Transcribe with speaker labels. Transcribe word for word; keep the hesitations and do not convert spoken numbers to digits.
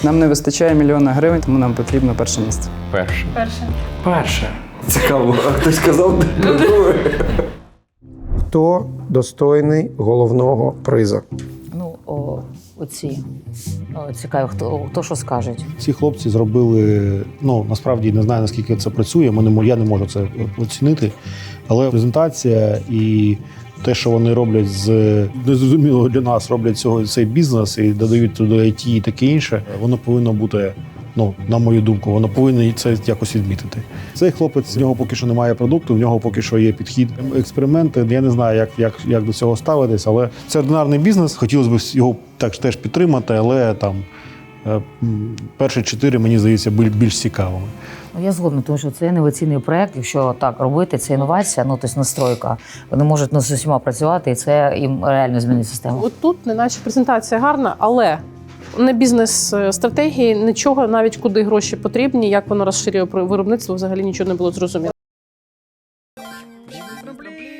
Speaker 1: Нам не вистачає мільйона гривень, тому нам потрібно перше місце.
Speaker 2: Перше.
Speaker 3: Перше.
Speaker 2: Перше.
Speaker 4: Цікаво, а хтось сказав друге?
Speaker 5: Хто достойний головного призу?
Speaker 6: Ну, о, оці. О, цікаво, хто, хто що скажуть.
Speaker 7: Ці хлопці зробили, ну насправді не знаю, наскільки це працює, ми не, мо- я не можу це оцінити, але презентація і те, що вони роблять з незрозумілого для нас, роблять цього цей бізнес і додають туди ай ті і таке інше, воно повинно бути, ну, на мою думку, воно повинно це якось відмітити. Цей хлопець, в нього поки що немає продукту, в нього поки що є підхід. Експерименти, я не знаю, як, як, як до цього ставитись, але це ординарний бізнес, хотілося б його так теж підтримати, але там е, м, перші чотири, мені здається, були більш цікавими.
Speaker 6: Ну, я згодна, тому що це інноваційний проєкт. Якщо так робити, це інновація, ну тобто настройка. Вони можуть ну, з усіма працювати, і це їм реально змінить систему.
Speaker 3: От тут, неначе презентація гарна, але не бізнес-стратегії, нічого, навіть куди гроші потрібні, як воно розширює виробництво, взагалі нічого не було зрозуміло.